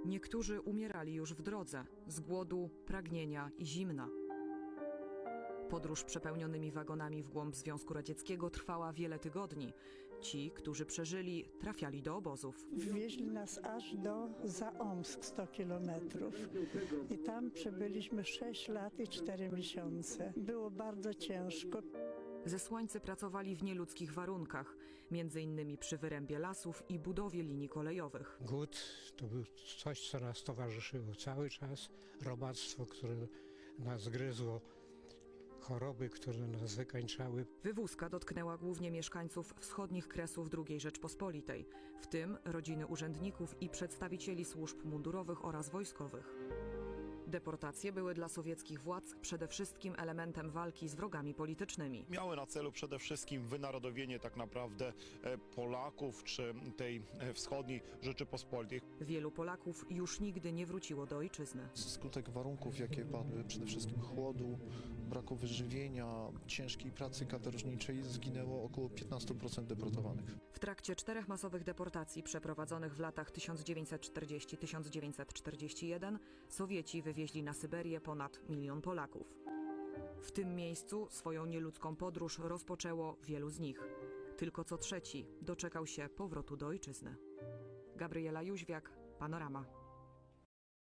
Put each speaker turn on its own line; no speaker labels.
Niektórzy umierali już w drodze z głodu, pragnienia i zimna. Podróż przepełnionymi wagonami w głąb Związku Radzieckiego trwała wiele tygodni. Ci, którzy przeżyli, trafiali do obozów.
Wwieźli nas aż do Zaomsk, 100 kilometrów. I tam przebyliśmy 6 lat i 4 miesiące. Było bardzo ciężko.
Zesłańcy pracowali w nieludzkich warunkach, między innymi przy wyrębie lasów i budowie linii kolejowych.
Głód to był coś, co nas towarzyszyło cały czas. Robactwo, które nas gryzło. Choroby, które nas wykańczały.
Wywózka dotknęła głównie mieszkańców wschodnich kresów II Rzeczpospolitej, w tym rodziny urzędników i przedstawicieli służb mundurowych oraz wojskowych. Deportacje były dla sowieckich władz przede wszystkim elementem walki z wrogami politycznymi.
Miały na celu przede wszystkim wynarodowienie tak naprawdę Polaków czy tej wschodniej Rzeczypospolitej.
Wielu Polaków już nigdy nie wróciło do ojczyzny.
Skutek warunków, jakie padły, przede wszystkim chłodu, braku wyżywienia, ciężkiej pracy katorżniczej, zginęło około 15% deportowanych.
W trakcie 4 masowych deportacji przeprowadzonych w latach 1940-1941 Sowieci wywieźli na Syberię ponad 1 milion Polaków. W tym miejscu swoją nieludzką podróż rozpoczęło wielu z nich. Tylko co trzeci doczekał się powrotu do ojczyzny. Gabriela Jóźwiak, Panorama.